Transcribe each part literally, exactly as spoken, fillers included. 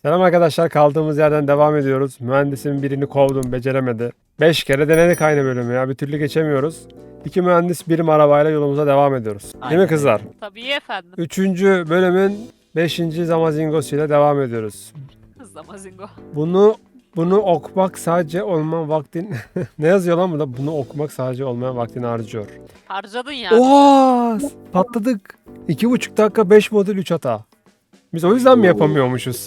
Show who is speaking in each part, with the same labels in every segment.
Speaker 1: Selam arkadaşlar, kaldığımız yerden devam ediyoruz. Mühendisin birini kovdum, beceremedi. beş kere denedik aynı bölümü ya, bir türlü geçemiyoruz. İki mühendis birim arabayla yolumuza devam ediyoruz. Değil
Speaker 2: Aynen
Speaker 1: mi kızlar?
Speaker 2: Tabii efendim.
Speaker 1: Üçüncü bölümün beşinci zamazingosuyla devam ediyoruz.
Speaker 2: Zamazingo.
Speaker 1: Bunu bunu okumak sadece olmayan vaktin... Ne yazıyor lan burada? Bunu okumak sadece olmayan vaktini harcıyor.
Speaker 2: Harcadın yani.
Speaker 1: Oha! Patladık. İki buçuk dakika beş modül üç hata. Biz o yüzden mi yapamıyormuşuz?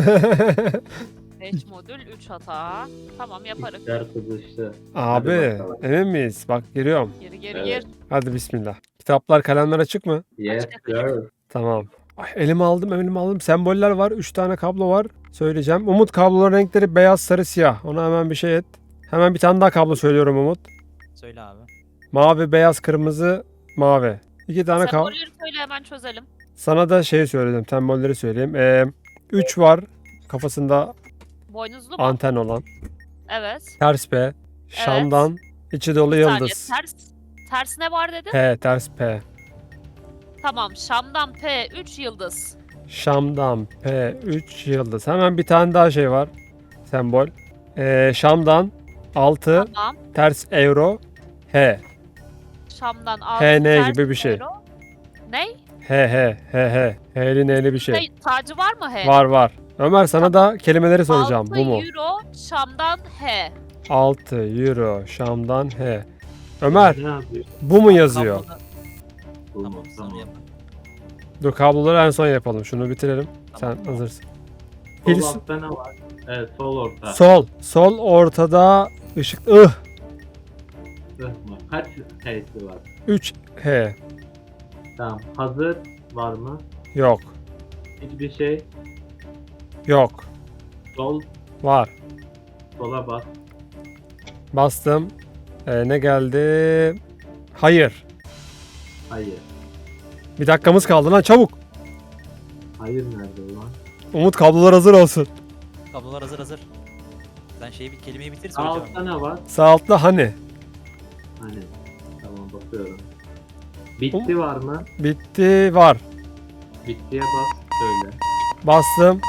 Speaker 2: beş modül üç hata. Tamam yaparız.
Speaker 3: İşler kızıştı.
Speaker 1: Abi
Speaker 3: Hadi bakalım.
Speaker 1: emin miyiz? Bak giriyorum.
Speaker 2: Geri geri
Speaker 3: Evet.
Speaker 2: gir.
Speaker 1: Hadi bismillah. Kitaplar, kalemler açık mı?
Speaker 3: Yes sir.
Speaker 1: Tamam. Ay, elime aldım, elime aldım. Semboller var. üç tane kablo var. Söyleyeceğim. Umut, kabloların renkleri beyaz, sarı, siyah. Ona hemen bir şey et. Hemen bir tane daha kablo söylüyorum Umut.
Speaker 4: Söyle abi.
Speaker 1: Mavi, beyaz, kırmızı, mavi. İki tane kablo.
Speaker 2: Sembolleri söyle hemen çözelim.
Speaker 1: Sana da şey söyledim. Sembolleri söyleyeyim. Ee, üç var. Kafasında
Speaker 2: Boynuzlu mu?
Speaker 1: anten olan.
Speaker 2: Evet.
Speaker 1: Ters P. Şam'dan. içi dolu
Speaker 2: Bir saniye,
Speaker 1: yıldız.
Speaker 2: Ters, ters ne var dedin?
Speaker 1: P. Ters P.
Speaker 2: Tamam. Şam'dan P üç yıldız.
Speaker 1: Şam'dan P üç yıldız. Hemen bir tane daha şey var. Sembol. Ee, Şam'dan altı
Speaker 2: Tamam.
Speaker 1: ters euro H.
Speaker 2: Şam'dan altı
Speaker 1: H N
Speaker 2: ters
Speaker 1: gibi bir şey.
Speaker 2: euro. Ne?
Speaker 1: H H H H. H'li N'li bir şey.
Speaker 2: Ne? Tacı var mı H?
Speaker 1: Var var. Ömer sana da kelimeleri soracağım.
Speaker 2: altı
Speaker 1: Bu mu?
Speaker 2: euro Şam'dan H.
Speaker 1: altı euro Şam'dan H. Ömer
Speaker 3: Ne yapıyor?
Speaker 1: bu mu yazıyor?
Speaker 4: Kabloda-
Speaker 3: Tamam
Speaker 4: Tamam
Speaker 3: tamam.
Speaker 4: sana yap.
Speaker 1: Dur, kabloları en son yapalım. Şunu bitirelim.
Speaker 4: Tamam.
Speaker 1: Sen hazırsın.
Speaker 3: Sol
Speaker 1: Pils-
Speaker 3: altta ne var? Evet sol orta.
Speaker 1: Sol. Sol ortada ışık. Ih.
Speaker 3: Ih mı? Kaç H'si var?
Speaker 1: üç H.
Speaker 3: Tamam. Hazır var mı?
Speaker 1: Yok.
Speaker 3: Hiçbir şey.
Speaker 1: Yok.
Speaker 3: Sol.
Speaker 1: Var.
Speaker 3: Sola bas.
Speaker 1: Bastım. Ee, ne geldi? Hayır.
Speaker 3: Hayır.
Speaker 1: Bir dakikamız kaldı lan, çabuk.
Speaker 3: Hayır nerede ulan?
Speaker 1: Umut, kablolar hazır olsun.
Speaker 4: Kablolar hazır hazır. Sen şeyi bir kelimeyi bitir
Speaker 3: Sağ
Speaker 4: söyleyeceğim.
Speaker 3: altta ne var?
Speaker 1: Sağ altta hani.
Speaker 3: Hani. Tamam bakıyorum. Bitti var mı?
Speaker 1: Bitti, var.
Speaker 3: Bittiye bas. Söyle.
Speaker 1: Bastım.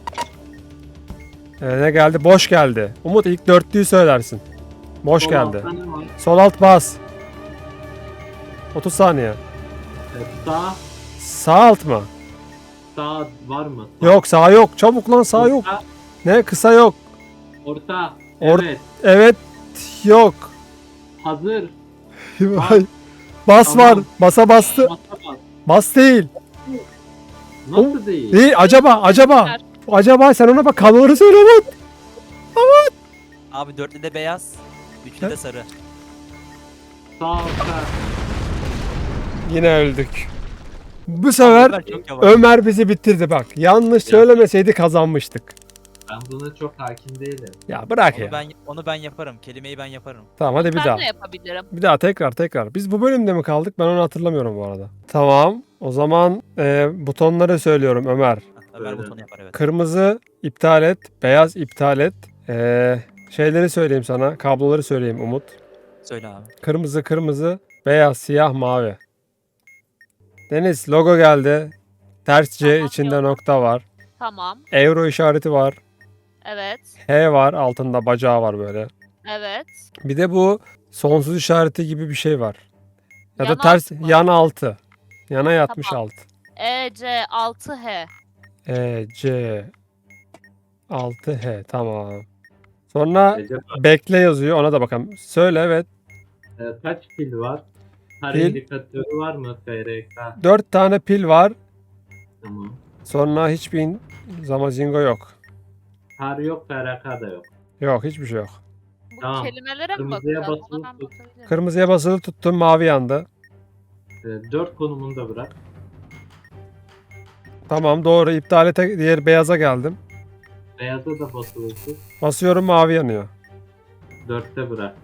Speaker 1: Ee, ne geldi? Boş geldi. Umut, ilk dörtlüyü söylersin. Boş
Speaker 3: Sol
Speaker 1: geldi.
Speaker 3: altta ne var?
Speaker 1: Sol alt bas. otuz saniye.
Speaker 3: Evet, sağ.
Speaker 1: Sağ alt mı?
Speaker 3: Sağ var mı? Sağ.
Speaker 1: Yok, sağ yok. Çabuk lan, sağ yok.
Speaker 3: Orta.
Speaker 1: Ne? Kısa yok.
Speaker 3: Orta.
Speaker 1: Or-
Speaker 3: Evet.
Speaker 1: Evet. Yok.
Speaker 3: Hazır.
Speaker 1: Bas
Speaker 3: Tamam.
Speaker 1: var. Basa bastı.
Speaker 3: Basa bas.
Speaker 1: Bas değil.
Speaker 3: Nasıl değil?
Speaker 1: İyi, acaba acaba. Acaba sen ona bak, kabloları söyle Umut.
Speaker 4: Abi dörtlü de beyaz. Üçlü de sarı.
Speaker 3: Sağ altta.
Speaker 1: Yine öldük. Bu sefer
Speaker 4: Ömer çok yavaş.
Speaker 1: Ömer bizi bitirdi bak. Yanlış söylemeseydi kazanmıştık.
Speaker 3: Ben buna çok hakim değilim.
Speaker 1: Ya bırak
Speaker 4: Onu
Speaker 1: ya.
Speaker 4: ben onu ben yaparım. Kelimeyi ben yaparım.
Speaker 1: Tamam, hadi bir
Speaker 2: Ben
Speaker 1: daha.
Speaker 2: de yapabilirim.
Speaker 1: Bir daha tekrar tekrar. Biz bu bölümde mi kaldık? Ben onu hatırlamıyorum bu arada. Tamam. O zaman e, butonları söylüyorum Ömer.
Speaker 4: Ömer
Speaker 3: Öyle.
Speaker 4: butonu yapar evet.
Speaker 1: Kırmızı iptal et. Beyaz iptal et. E, şeyleri söyleyeyim sana. Kabloları söyleyeyim Umut.
Speaker 4: Söyle abi.
Speaker 1: Kırmızı kırmızı. Beyaz, siyah, mavi. Deniz, logo geldi. Ters C,
Speaker 2: Tamam,
Speaker 1: içinde
Speaker 2: yolla.
Speaker 1: nokta var.
Speaker 2: Tamam.
Speaker 1: Euro işareti var.
Speaker 2: Evet.
Speaker 1: H var. Altında bacağı var böyle.
Speaker 2: Evet.
Speaker 1: Bir de bu sonsuz işareti gibi bir şey var. Ya da
Speaker 2: Yan
Speaker 1: ters
Speaker 2: altı mı?
Speaker 1: yan altı. Yana yatmış
Speaker 2: Tamam.
Speaker 1: altı.
Speaker 2: E C altı H.
Speaker 1: E C altı H, tamam. Sonra
Speaker 3: Recep abi,
Speaker 1: bekle yazıyor, ona da bakalım. Söyle, evet.
Speaker 3: e, kaç pil var? Her
Speaker 1: Pil.
Speaker 3: indikatörü var mı? F R K.
Speaker 1: dört tane pil var.
Speaker 3: Tamam.
Speaker 1: Sonra hiçbir in- zamazingo yok.
Speaker 3: Her yok, F R K da yok.
Speaker 1: Yok, hiçbir şey yok.
Speaker 2: Bu
Speaker 3: Tamam.
Speaker 2: kelimelere mi
Speaker 3: Kırmızıya
Speaker 2: bakacağız?
Speaker 3: basılı
Speaker 2: Ona ben
Speaker 3: tut.
Speaker 2: bakabilirim.
Speaker 1: Kırmızıya basılı tuttum, mavi yandı.
Speaker 3: E, dört konumunda bırak.
Speaker 1: Tamam, doğru. İptal et, diğer beyaza geldim.
Speaker 3: Beyaza da basılı tut.
Speaker 1: Basıyorum, mavi yanıyor.
Speaker 3: Dörtte bırak.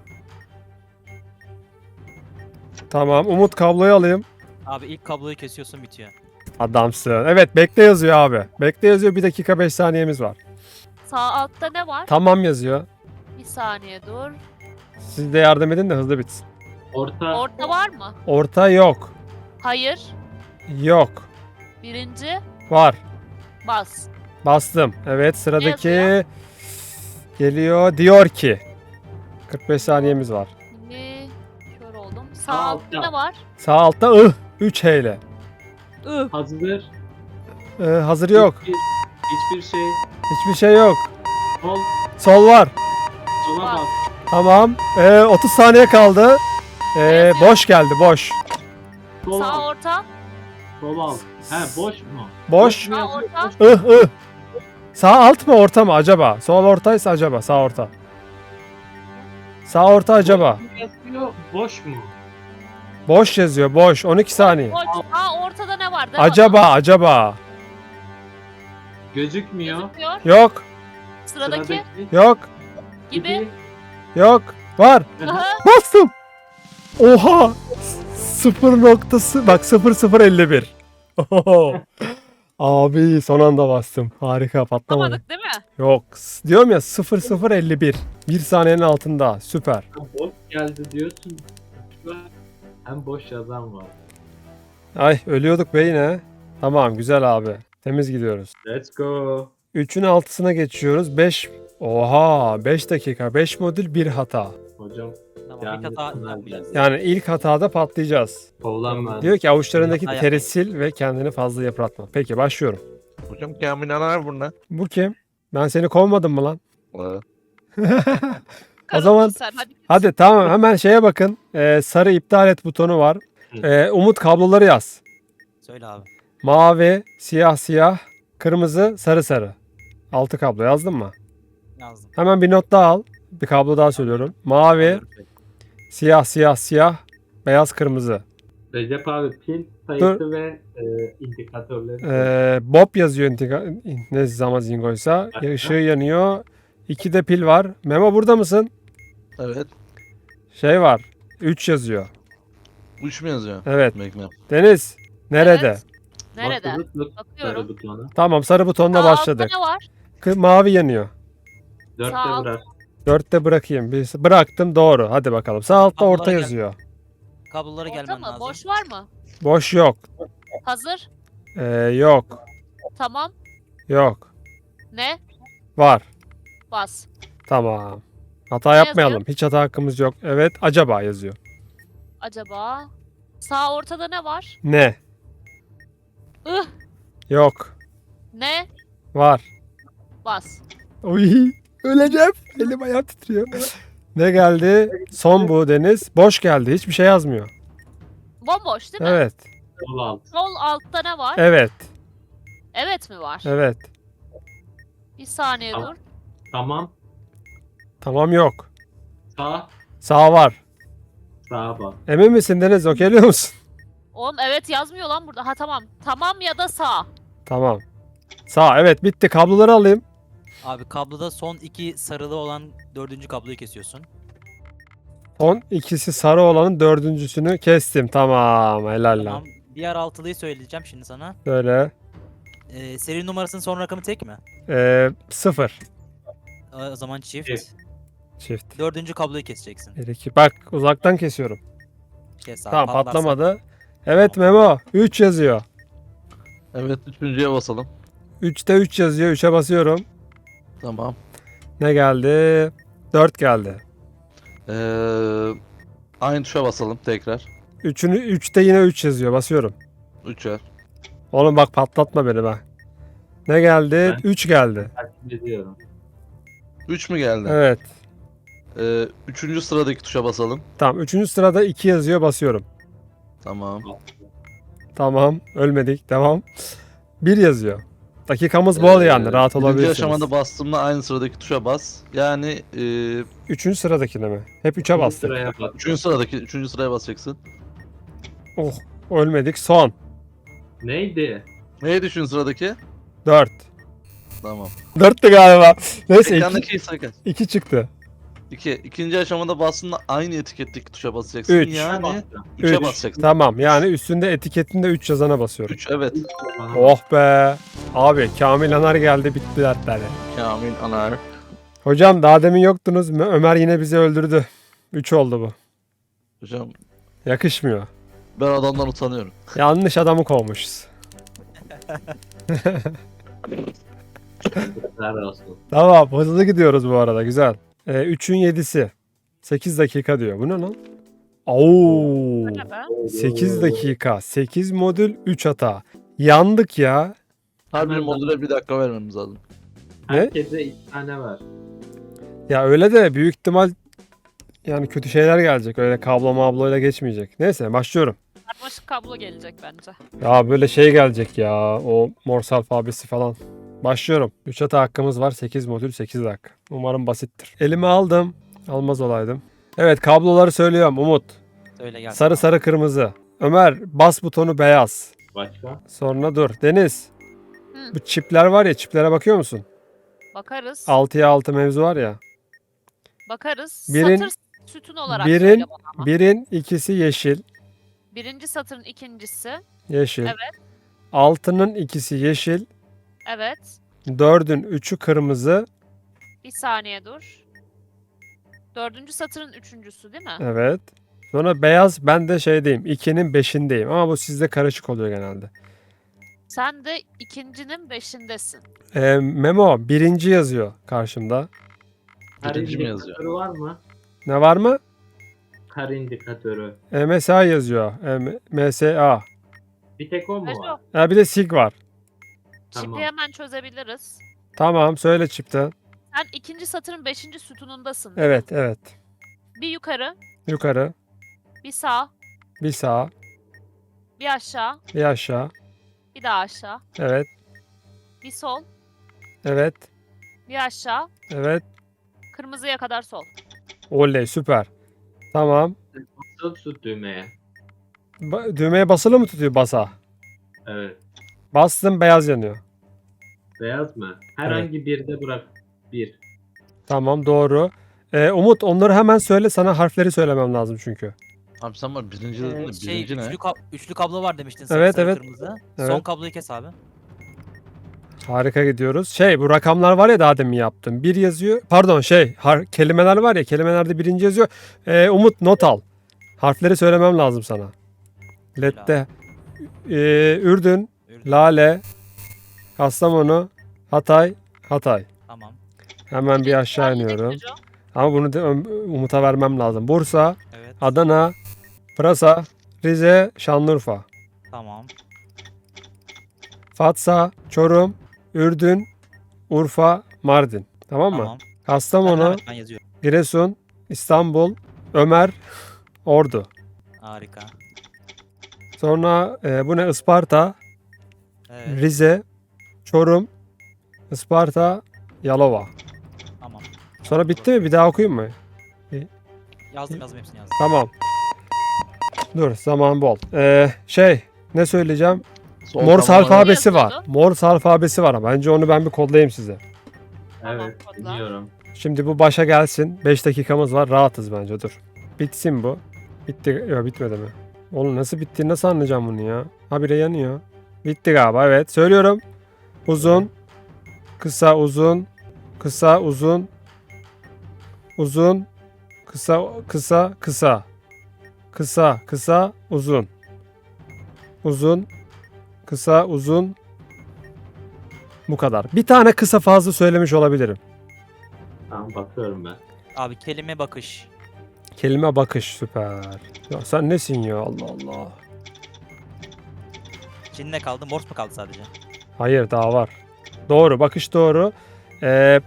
Speaker 1: Tamam, Umut, kabloyu alayım.
Speaker 4: Abi ilk kabloyu kesiyorsun bitiyor.
Speaker 1: Adamsın. Evet, bekle yazıyor abi. Bekle yazıyor, bir dakika beş saniyemiz var.
Speaker 2: Sağ altta ne var?
Speaker 1: Tamam yazıyor.
Speaker 2: Bir saniye dur.
Speaker 1: Siz de yardım edin de hızlı bitsin.
Speaker 3: Orta.
Speaker 2: Orta var mı?
Speaker 1: Orta yok.
Speaker 2: Hayır.
Speaker 1: Yok.
Speaker 2: Birinci
Speaker 1: Var.
Speaker 2: bas.
Speaker 1: Bastım. Evet sıradaki
Speaker 2: yazıyor?
Speaker 1: geliyor. Diyor ki. kırk beş saniyemiz var.
Speaker 2: Ne? Kör oldum. Sağ
Speaker 3: Sağ
Speaker 2: altta
Speaker 3: altta.
Speaker 2: ne var?
Speaker 1: Sağ altta ıh. üç H ile.
Speaker 2: I.
Speaker 3: Hazır.
Speaker 1: Ee, hazır yok.
Speaker 3: Hiçbir, hiçbir şey.
Speaker 1: Hiçbir şey yok.
Speaker 3: Sol.
Speaker 1: Sol var.
Speaker 3: Sola
Speaker 2: Bak.
Speaker 3: bak.
Speaker 1: Tamam. Ee, otuz saniye kaldı. Ee,
Speaker 2: yazıyor?
Speaker 1: boş geldi boş.
Speaker 3: Sol
Speaker 2: Sağ
Speaker 3: al.
Speaker 2: orta.
Speaker 3: Sol al. He boş mu?
Speaker 1: Boş.
Speaker 3: mu
Speaker 2: Sağ
Speaker 3: yazıyor?
Speaker 2: orta.
Speaker 3: Boş.
Speaker 1: Ih ih. Sağ alt mı orta mı acaba? Sol ortaysa acaba sağ orta. Sağ orta acaba.
Speaker 3: Boş mu yazıyor? Boş mu?
Speaker 1: Boş yazıyor boş. on iki saniye.
Speaker 2: Boş. Sağ ortada ne var? De
Speaker 1: Acaba acaba.
Speaker 3: Gözükmüyor.
Speaker 2: Gözükmüyor.
Speaker 1: Yok.
Speaker 2: Sıradaki.
Speaker 1: Yok.
Speaker 2: Gibi.
Speaker 1: Yok. Var.
Speaker 2: Aha.
Speaker 1: Bastım. Oha. Sıfır noktası. Bak sıfır sıfır elli bir. Oho. Abi son anda bastım. Harika patlamadı.
Speaker 2: Tutamadık değil mi?
Speaker 1: Yok. s- Diyorum ya sıfır sıfır elli bir. Bir saniyenin altında. Süper.
Speaker 3: Ha, boş geldi diyorsun. Hem boş yazan var.
Speaker 1: Ay ölüyorduk be yine. Tamam güzel abi. Temiz gidiyoruz.
Speaker 3: Let's go.
Speaker 1: üçün altısına geçiyoruz. beş. Oha beş dakika. beş modül bir hata.
Speaker 3: Hocam
Speaker 4: Tamam
Speaker 3: Yani
Speaker 4: bir hata
Speaker 3: bunlar
Speaker 4: yapmayacağız.
Speaker 1: Yani ilk hatada patlayacağız.
Speaker 3: kovlanma.
Speaker 1: Diyor ki avuçlarındaki
Speaker 4: Hata
Speaker 1: teri
Speaker 4: yapmayın.
Speaker 1: sil ve kendini fazla yıpratma. Peki başlıyorum.
Speaker 5: Hocam Kamil Anar burada.
Speaker 1: Bu kim? Ben seni kovmadım mı lan?
Speaker 5: Ee,
Speaker 2: Karıldın
Speaker 1: zaman-
Speaker 2: sen. Hadi.
Speaker 1: Hadi tamam hemen şeye bakın. Ee, sarı iptal et butonu var. Ee, Umut kabloları yaz.
Speaker 4: Söyle abi.
Speaker 1: Mavi, siyah siyah, kırmızı, sarı sarı. Altı kablo yazdın mı?
Speaker 4: Yazdım.
Speaker 1: Hemen bir not daha al. Bir kablo daha söylüyorum. Mavi,
Speaker 4: Alıyorum.
Speaker 1: siyah siyah siyah, beyaz kırmızı.
Speaker 3: Recep abi pil sayısı ve e, indikatörleri.
Speaker 1: Ee, Bob yazıyor intika- ne zaman zingoysa. Işığı yanıyor. İki de pil var. Memo burada mısın?
Speaker 5: evet.
Speaker 1: Şey var. üç yazıyor.
Speaker 5: Üç mü yazıyor?
Speaker 1: Evet.
Speaker 5: Bekle.
Speaker 1: Deniz. Nerede?
Speaker 2: Evet. Nerede?
Speaker 3: Basılı tut
Speaker 2: Bakıyorum.
Speaker 3: sarı butona.
Speaker 1: Tamam sarı butonla
Speaker 2: Sağ altta
Speaker 1: başladık.
Speaker 2: ne var?
Speaker 1: Kı- Mavi yanıyor.
Speaker 3: Dörtte
Speaker 2: Sağ alt.
Speaker 3: bırak.
Speaker 1: Dörtte bırakayım. Bir, bıraktım doğru. Hadi bakalım. Sağ altta
Speaker 4: Kablolara
Speaker 1: orta
Speaker 4: gel.
Speaker 1: yazıyor.
Speaker 4: Kablolara
Speaker 2: Orta
Speaker 4: gelmen
Speaker 2: mı?
Speaker 4: lazım.
Speaker 2: Boş var mı?
Speaker 1: Boş yok.
Speaker 2: Hazır.
Speaker 1: Ee, yok.
Speaker 2: Tamam.
Speaker 1: Yok.
Speaker 2: Ne?
Speaker 1: Var.
Speaker 2: Bas.
Speaker 1: Tamam. Hata
Speaker 2: Ne
Speaker 1: yapmayalım.
Speaker 2: yazıyor?
Speaker 1: Hiç hata hakkımız yok. Evet. Acaba yazıyor.
Speaker 2: Acaba? Sağ ortada ne var?
Speaker 1: Ne?
Speaker 2: Ih.
Speaker 1: Yok.
Speaker 2: Ne?
Speaker 1: Var.
Speaker 2: Bas.
Speaker 1: Uy. Öleceğim. Elim ayağım titriyor. Ne geldi? Son bu Deniz. Boş geldi. Hiçbir şey yazmıyor.
Speaker 2: Bomboş değil mi?
Speaker 1: Evet.
Speaker 3: Sol alt.
Speaker 2: Sol altta ne var?
Speaker 1: Evet.
Speaker 2: Evet mi var?
Speaker 1: Evet.
Speaker 2: Bir saniye
Speaker 3: Tamam.
Speaker 2: dur.
Speaker 3: Tamam.
Speaker 1: Tamam yok.
Speaker 3: Sağ.
Speaker 1: Sağ var.
Speaker 3: Sağa bak.
Speaker 1: Emin misin Deniz? Okeyliyor musun?
Speaker 2: Oğlum evet yazmıyor lan burada. Ha tamam. Tamam ya da sağ.
Speaker 1: Tamam. Sağ. Evet bitti. Kabloları alayım.
Speaker 4: Abi kabloda son iki sarılı olan dördüncü kabloyu kesiyorsun.
Speaker 1: Son ikisi sarı olanın dördüncüsünü kestim. Tamam. Helal lan.
Speaker 4: Tamam. Diğer altılıyı söyleyeceğim şimdi sana.
Speaker 1: Böyle.
Speaker 4: Ee, seri numarasının son rakamı tek mi?
Speaker 1: Ee, sıfır.
Speaker 4: O zaman çift.
Speaker 3: Çift.
Speaker 1: Çift.
Speaker 4: Dördüncü kabloyu keseceksin.
Speaker 1: Bir, iki. Bak uzaktan kesiyorum.
Speaker 4: Kes abi.
Speaker 1: Tamam
Speaker 4: patlarsa-
Speaker 1: patlamadı. Evet Memo. üç yazıyor.
Speaker 5: Evet üçüncüye basalım.
Speaker 1: üçte üç yazıyor. üçe basıyorum.
Speaker 5: Tamam.
Speaker 1: Ne geldi? dört geldi.
Speaker 5: Ee, aynı tuşa basalım tekrar.
Speaker 1: üçünü üçte yine üç yazıyor. Basıyorum.
Speaker 5: Üçer.
Speaker 1: Oğlum bak patlatma beni bak. Ne geldi?
Speaker 3: Ben-
Speaker 1: üç geldi.
Speaker 3: Takip ediyorum.
Speaker 5: Üç mü geldi?
Speaker 1: Evet.
Speaker 5: Ee, üçüncü sıradaki tuşa basalım.
Speaker 1: Tamam. Üçüncü sırada iki yazıyor. Basıyorum.
Speaker 5: Tamam.
Speaker 1: Tamam. Ölmedik. Devam. bir yazıyor. Dakikamız bol
Speaker 5: Ee,
Speaker 1: yani. Rahat
Speaker 5: Birinci
Speaker 1: olabilirsiniz.
Speaker 5: aşamada bastığımda aynı sıradaki tuşa bas. Yani e,
Speaker 1: Üçüncü sıradakine mi? Hep üçe bastık.
Speaker 3: Sıraya bak.
Speaker 5: üçüncü sıradaki üçüncü sıraya basacaksın.
Speaker 1: Oh. Ölmedik. Son.
Speaker 3: Neydi?
Speaker 5: Neydi üçüncü sıradaki?
Speaker 1: dört.
Speaker 5: Tamam.
Speaker 1: dörttü galiba. Neyse iki,
Speaker 5: Ekrandaki sayı kaç?
Speaker 1: iki çıktı.
Speaker 5: İki. İkinci aşamada bastığında aynı etiketteki tuşa basacaksın.
Speaker 1: Üç.
Speaker 5: Yani
Speaker 3: Bastım.
Speaker 5: üçe
Speaker 1: Üç.
Speaker 5: basacaksın.
Speaker 1: Tamam. Yani üstünde etiketinde üç yazana basıyorum.
Speaker 5: Üç evet.
Speaker 3: Bana
Speaker 1: Oh be. Abi Kamil Anar geldi bitti dertleri.
Speaker 5: Kamil Anar.
Speaker 1: Hocam daha demin yoktunuz. Ö- Ömer yine bizi öldürdü. üç oldu bu.
Speaker 5: Hocam
Speaker 1: Yakışmıyor.
Speaker 5: ben adamdan utanıyorum.
Speaker 1: Yanlış adamı kovmuşuz.
Speaker 3: Yazıklar olsun.
Speaker 1: Tamam hızlı gidiyoruz bu arada güzel. Ee, üçün yedisi. sekiz dakika diyor. Bu ne lan? Oo.
Speaker 2: Bu ne be?
Speaker 1: sekiz dakika. sekiz modül üç hata. Yandık ya.
Speaker 5: Her bir
Speaker 3: Hemen
Speaker 5: modüle bir dakika vermemiz lazım.
Speaker 1: Ne?
Speaker 3: Herkese iki tane var.
Speaker 1: Ya öyle de büyük ihtimal yani kötü şeyler gelecek. Öyle kablo mabloyla geçmeyecek. Neyse başlıyorum.
Speaker 2: Karmaşık kablo gelecek bence.
Speaker 1: Ya böyle şey gelecek ya. O Morse alfabesi falan. Başlıyorum. üç hata hakkımız var. sekiz modül sekiz dakika. Umarım basittir. Elime aldım. Almaz olaydım. Evet kabloları söylüyorum Umut.
Speaker 4: Söyle gel.
Speaker 1: Sarı sarı kırmızı. Ömer bas butonu beyaz.
Speaker 3: Başka?
Speaker 1: Sonra dur. Deniz.
Speaker 2: Hı.
Speaker 1: Bu çipler var ya çiplere bakıyor musun?
Speaker 2: Bakarız.
Speaker 1: altıya altı mevzu var ya.
Speaker 2: Bakarız.
Speaker 1: Birin-
Speaker 2: Satır sütun olarak
Speaker 1: birin-
Speaker 2: söyle bana ama.
Speaker 1: Birin ikisi yeşil.
Speaker 2: Birinci satırın ikincisi.
Speaker 1: Yeşil.
Speaker 2: Evet.
Speaker 1: Altının ikisi yeşil.
Speaker 2: Evet.
Speaker 1: Dördün üçü kırmızı.
Speaker 2: Bir saniye dur. Dördüncü satırın üçüncüsü değil mi?
Speaker 1: Evet. Sonra beyaz ben de şeydeyim. ikinin beşindeyim. Ama bu sizde karışık oluyor genelde.
Speaker 2: Sen de ikincinin beşindesin.
Speaker 1: Ee, Memo birinci yazıyor karşımda.
Speaker 3: Kar
Speaker 5: Birinci mi
Speaker 3: indikatörü
Speaker 5: yazıyor?
Speaker 3: var mı?
Speaker 1: Ne var mı?
Speaker 3: Kar indikatörü.
Speaker 1: M S A yazıyor. M- MSA.
Speaker 3: Bir tek o mu
Speaker 2: Rejo,
Speaker 3: var?
Speaker 1: Ha, bir de SIG var.
Speaker 2: çipi
Speaker 3: Tamam.
Speaker 2: hemen çözebiliriz.
Speaker 1: Tamam söyle çipten.
Speaker 2: Sen ikinci satırın beşinci sütunundasın. değil mi?
Speaker 1: Evet evet.
Speaker 2: Bir yukarı,
Speaker 1: Yukarı.
Speaker 2: bir sağ,
Speaker 1: Bir sağa.
Speaker 2: bir aşağı,
Speaker 1: Bir aşağı.
Speaker 2: bir daha aşağı,
Speaker 1: Evet.
Speaker 2: bir sol,
Speaker 1: Evet.
Speaker 2: bir aşağı,
Speaker 1: Evet.
Speaker 2: kırmızıya kadar sol.
Speaker 1: Oley süper. Tamam.
Speaker 3: Basılı tut düğmeye.
Speaker 1: Ba- düğmeye basılı mı tutuyor basa?
Speaker 3: Evet.
Speaker 1: Bastım beyaz yanıyor.
Speaker 3: Beyaz mı? Herhangi birde bırak. Bir.
Speaker 1: Tamam doğru. Ee, Umut onları hemen söyle sana harfleri söylemem lazım çünkü.
Speaker 5: Abi sen var birinci dedin de
Speaker 4: Ee,
Speaker 5: birinci
Speaker 4: şey
Speaker 5: ne?
Speaker 4: üçlü, kab- üçlü kablo var demiştin. Sarı,
Speaker 1: Evet,
Speaker 4: sarı,
Speaker 1: evet.
Speaker 4: Kırmızı.
Speaker 1: Evet.
Speaker 4: Son kabloyu kes abi.
Speaker 1: Harika gidiyoruz. Şey bu rakamlar var ya daha demin yaptım. Bir yazıyor. Pardon şey har- kelimeler var ya kelimelerde birinci yazıyor. Ee, Umut not al. Harfleri söylemem lazım sana. Lette. Ee, Ürdün,
Speaker 4: Ürdün.
Speaker 1: Lale, Kastamonu, Hatay, Hatay.
Speaker 4: Tamam.
Speaker 1: Hemen bir aşağı
Speaker 2: Birinci
Speaker 1: iniyorum.
Speaker 2: Rejo,
Speaker 1: Ama bunu da Ö- Umut'a vermem lazım. Bursa,
Speaker 4: Evet.
Speaker 1: Adana, Pırasa, Rize, Şanlıurfa.
Speaker 4: Tamam.
Speaker 1: Fatsa, Çorum, Ürdün, Urfa, Mardin. Tamam mı?
Speaker 4: Tamam.
Speaker 1: Kastamonu,
Speaker 4: Ben, ben yazıyorum.
Speaker 1: Giresun, İstanbul, Ömer, Ordu.
Speaker 4: Harika.
Speaker 1: Sonra e, bu ne? Isparta,
Speaker 4: Evet.
Speaker 1: Rize, Çorum, Isparta, Yalova.
Speaker 4: Tamam.
Speaker 1: Sonra bitti mi? Bir daha okuyayım mı?
Speaker 4: Yazdım yazdım hepsini yazdım.
Speaker 1: Tamam. Dur zaman bol. Ee, şey ne söyleyeceğim?
Speaker 5: Sol
Speaker 1: Morse
Speaker 5: tamam,
Speaker 1: alfabesi var.
Speaker 2: yazıyordu?
Speaker 1: Morse alfabesi var. Bence onu ben bir kodlayayım size.
Speaker 2: Tamam,
Speaker 3: Evet.
Speaker 2: kodla.
Speaker 3: Biliyorum.
Speaker 1: Şimdi bu başa gelsin. beş dakikamız var. Rahatız bence. Dur. Bitsin bu. Bitti. Yok bitmedi mi? Oğlum nasıl bitti? Nasıl anlayacağım bunu ya? Habire yanıyor. Bitti galiba. Evet. Söylüyorum. Uzun. Kısa uzun. Kısa uzun. Uzun. Kısa kısa kısa. Kısa kısa uzun. Uzun. Kısa uzun. Bu kadar. Bir tane kısa fazla söylemiş olabilirim.
Speaker 3: Tamam bakıyorum ben.
Speaker 4: Abi kelime bakış.
Speaker 1: Kelime bakış süper. Ya sen nesin ya Allah Allah.
Speaker 4: Şimdi ne kaldı? Morse mu kaldı sadece?
Speaker 1: Hayır daha var. Doğru bakış doğru. Ee,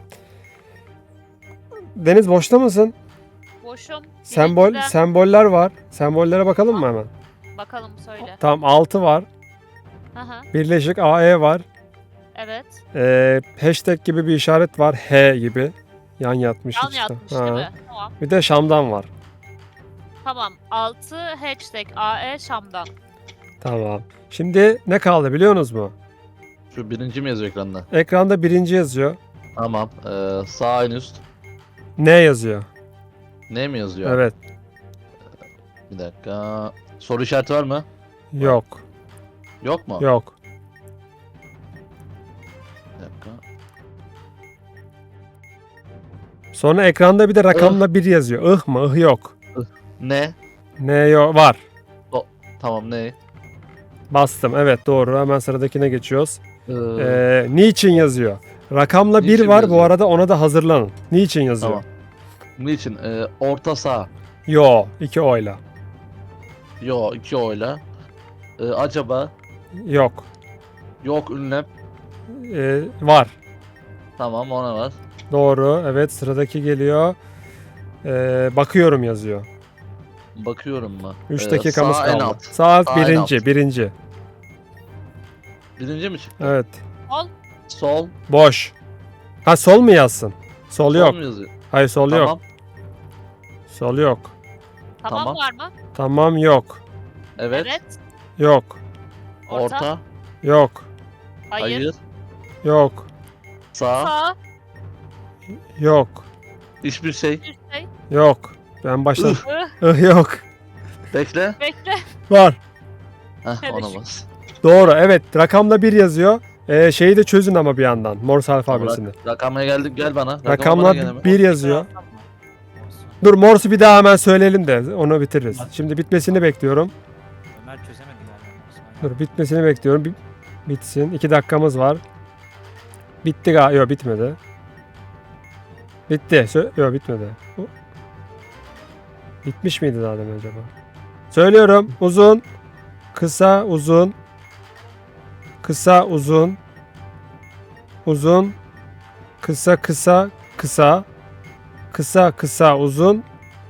Speaker 1: Deniz boşta mısın?
Speaker 2: Boşum.
Speaker 1: Sembol
Speaker 2: Birinciden
Speaker 1: semboller var. Sembollere bakalım mı hemen?
Speaker 2: bakalım söyle.
Speaker 1: Tamam altı var.
Speaker 2: Hı hı.
Speaker 1: Birleşik A E var.
Speaker 2: Evet.
Speaker 1: Ee, hashtag gibi bir işaret var. H gibi. Yan yatmış
Speaker 2: Yan
Speaker 1: işte.
Speaker 2: yatmış
Speaker 1: Ha.
Speaker 2: değil mi? Tamam.
Speaker 1: Bir de Şam'dan var.
Speaker 2: Tamam. altı hashtag A E Şam'dan.
Speaker 1: Tamam. Şimdi ne kaldı biliyorsunuz mu?
Speaker 5: Şu birinci mi yazıyor ekranda?
Speaker 1: Ekranda birinci yazıyor.
Speaker 5: Tamam. Ee, sağ en üst.
Speaker 1: Ne yazıyor?
Speaker 5: Ne mi yazıyor?
Speaker 1: Evet.
Speaker 5: Bir dakika. Soru işareti var mı?
Speaker 1: Yok.
Speaker 5: Yok mu?
Speaker 1: Yok.
Speaker 5: Bir dakika.
Speaker 1: Sonra ekranda bir de rakamla bir yazıyor. Ih mı? Ih yok.
Speaker 5: Ne?
Speaker 1: Ne yok? Var.
Speaker 5: Tamam ne?
Speaker 1: Bastım. Evet doğru. Hemen sıradakine geçiyoruz.
Speaker 5: Ee,
Speaker 1: Ee, niçin yazıyor? Rakamla bir
Speaker 5: Niçin
Speaker 1: var bu
Speaker 5: yazıyor?
Speaker 1: arada, ona da hazırlanın. Niçin yazıyor?
Speaker 5: Tamam. Niçin? Ee, orta saha.
Speaker 1: Yo, iki oyla.
Speaker 5: Yo iki oyla. Ee, acaba
Speaker 1: Yok.
Speaker 5: yok ünlem.
Speaker 1: Ee, var.
Speaker 5: Tamam ona var.
Speaker 1: Doğru. Evet, sıradaki geliyor. Ee, bakıyorum yazıyor.
Speaker 5: Bakıyorum mı?
Speaker 1: üç
Speaker 5: Ee,
Speaker 1: dakikamız
Speaker 5: sağ en
Speaker 1: kaldı.
Speaker 5: alt.
Speaker 1: Sağ
Speaker 5: Sağ en
Speaker 1: birinci,
Speaker 5: alt.
Speaker 1: birinci.
Speaker 5: Birinci mi çıktı?
Speaker 1: Evet.
Speaker 2: Sol.
Speaker 5: Sol.
Speaker 1: Boş. Ha, sol mu yazsın? Sol
Speaker 5: Sol
Speaker 1: yok.
Speaker 5: mu yazıyor?
Speaker 1: Hayır, sol yok.
Speaker 5: Tamam.
Speaker 1: Sol yok.
Speaker 2: Tamam,
Speaker 5: Tamam.
Speaker 2: var mı?
Speaker 1: Tamam, yok.
Speaker 5: Evet.
Speaker 2: Evet.
Speaker 1: Yok.
Speaker 2: Orta.
Speaker 5: Orta.
Speaker 1: Yok.
Speaker 2: Hayır.
Speaker 5: Hayır.
Speaker 1: Yok.
Speaker 5: Sağ.
Speaker 2: Sağ.
Speaker 1: Yok.
Speaker 5: Hiçbir şey.
Speaker 2: Bir şey.
Speaker 1: Yok. Ben başladım.
Speaker 2: Ih,
Speaker 1: Ih, yok.
Speaker 5: Bekle.
Speaker 2: bekle.
Speaker 1: Var.
Speaker 5: Heh,
Speaker 2: Hadi
Speaker 5: ona
Speaker 2: şu-
Speaker 5: bas.
Speaker 1: Doğru. Evet. Rakamla bir yazıyor. Ee, şeyi de çözün ama bir yandan. Morse alfabesini.
Speaker 5: Rak- Rakamla geldik gel bana. Rakamla
Speaker 1: Rakamla
Speaker 5: bana gel hemen.
Speaker 1: bir yazıyor.
Speaker 4: Yapma. Olsun.
Speaker 1: Dur, Morse'u bir daha hemen söyleyelim de onu bitiririz. Şimdi bitmesini bekliyorum.
Speaker 4: Ömer çözemedi galiba. Osman.
Speaker 1: Dur, bitmesini bekliyorum. Bi- bitsin. iki dakikamız var. Bitti galiba. Yok, bitmedi. Bitti. Sö- Yok, bitmedi. Bu- Bitmiş miydi daha demin acaba? Söylüyorum. Uzun. Kısa, uzun. Kısa, uzun. Uzun. Kısa, kısa, kısa. Kısa, kısa, uzun.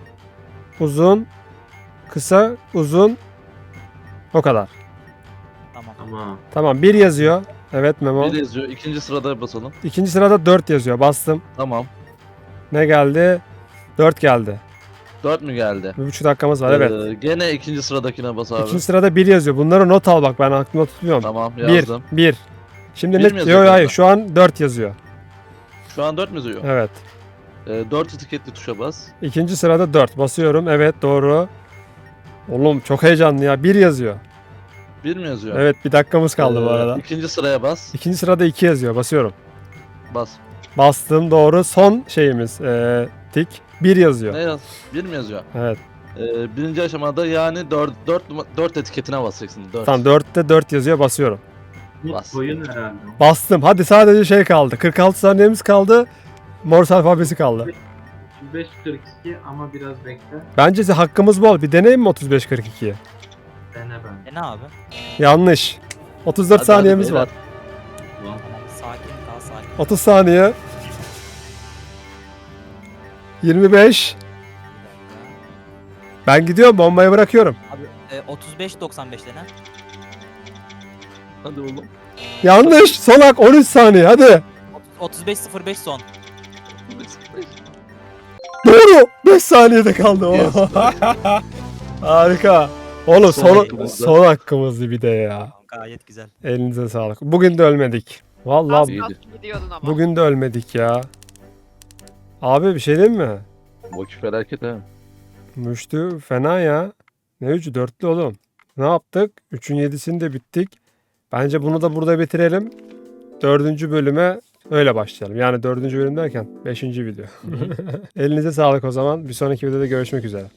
Speaker 1: Uzun. Kısa, uzun. O kadar.
Speaker 4: Tamam.
Speaker 3: Tamam.
Speaker 1: Tamam, bir yazıyor. Evet Memo.
Speaker 5: Bir yazıyor. İkinci sırada basalım.
Speaker 1: İkinci sırada dört yazıyor. Bastım.
Speaker 5: Tamam.
Speaker 1: Ne geldi? dört geldi.
Speaker 5: Dört mü geldi?
Speaker 1: Bir buçuk dakikamız var, evet.
Speaker 5: Ee, gene ikinci sıradakine bas abi.
Speaker 1: İkinci sırada bir yazıyor. Bunları not al bak, ben aklımda tutmuyorum.
Speaker 5: Tamam
Speaker 1: bir,
Speaker 5: yazdım.
Speaker 1: bir. Şimdi
Speaker 5: Bir
Speaker 1: ne?
Speaker 5: mi yazıyor
Speaker 1: Yok, hayır,
Speaker 5: orada?
Speaker 1: şu an dört yazıyor.
Speaker 5: Şu an dört mü yazıyor?
Speaker 1: Evet.
Speaker 5: Ee, dört etiketli tuşa bas.
Speaker 1: İkinci sırada dört. Basıyorum. Evet, doğru. Oğlum çok heyecanlı ya. bir yazıyor.
Speaker 5: Bir mi yazıyor?
Speaker 1: Evet, bir dakikamız kaldı bu
Speaker 5: Ee,
Speaker 1: arada.
Speaker 5: İkinci sıraya bas.
Speaker 1: İkinci sırada iki yazıyor. Basıyorum.
Speaker 5: Bas.
Speaker 1: Bastım, doğru. Son şeyimiz. Ee, tik. bir yazıyor.
Speaker 5: Ne yaz? Bir mi yazıyor?
Speaker 1: Evet.
Speaker 5: Ee, birinci aşamada yani dört, dört, dört etiketine basacaksın. Dört.
Speaker 1: Tamam, dörtte dört yazıyor. Basıyorum.
Speaker 3: Bu
Speaker 5: Bas.
Speaker 3: koyun herhalde.
Speaker 1: Bastım. Hadi sadece şey kaldı. kırk altı saniyemiz kaldı. Morse alfabesi kaldı.
Speaker 3: otuz beş kırk iki ama biraz bekle.
Speaker 1: Bence hakkımız bol. Bir deneyim mi otuz beş kırk ikiyi?
Speaker 3: Dene ben.
Speaker 4: E ne abi?
Speaker 1: Yanlış. otuz dört
Speaker 5: Hadi, hadi
Speaker 1: saniyemiz
Speaker 5: beyler.
Speaker 1: var.
Speaker 3: Ulan,
Speaker 4: Tamam. Sakin kal sakin.
Speaker 1: otuz saniye. yirmi beş.
Speaker 4: Bir dakika.
Speaker 1: Ben gidiyorum, bombayı bırakıyorum.
Speaker 4: Abi e, otuz beş doksan beş dene.
Speaker 5: Hadi oğlum.
Speaker 1: Yanlış. Son hak on üç saniye. Hadi.
Speaker 4: otuz beş sıfır beş son.
Speaker 1: Doğru. beş saniyede kaldı. o.
Speaker 5: Yes.
Speaker 1: Harika. Oğlum
Speaker 5: Son
Speaker 1: son,
Speaker 5: hakkımızda.
Speaker 1: son hakkımızdı bir de ya.
Speaker 4: Tamam, gayet güzel.
Speaker 1: Elinize sağlık. Bugün de ölmedik.
Speaker 2: Az
Speaker 1: Vallahi
Speaker 5: İyiydi.
Speaker 2: kalsın gidiyordun ama.
Speaker 1: bugün de ölmedik ya. Abi bir şey diyeyim mi?
Speaker 5: Vakit felaket ha.
Speaker 1: Müştü fena ya. Ne üçü? Dörtlü oğlum. Ne yaptık? Üçün yedisini de bittik. Bence bunu da burada bitirelim. Dördüncü bölüme öyle başlayalım. Yani dördüncü bölüm derken beşinci video. Elinize sağlık o zaman. Bir sonraki videoda görüşmek üzere.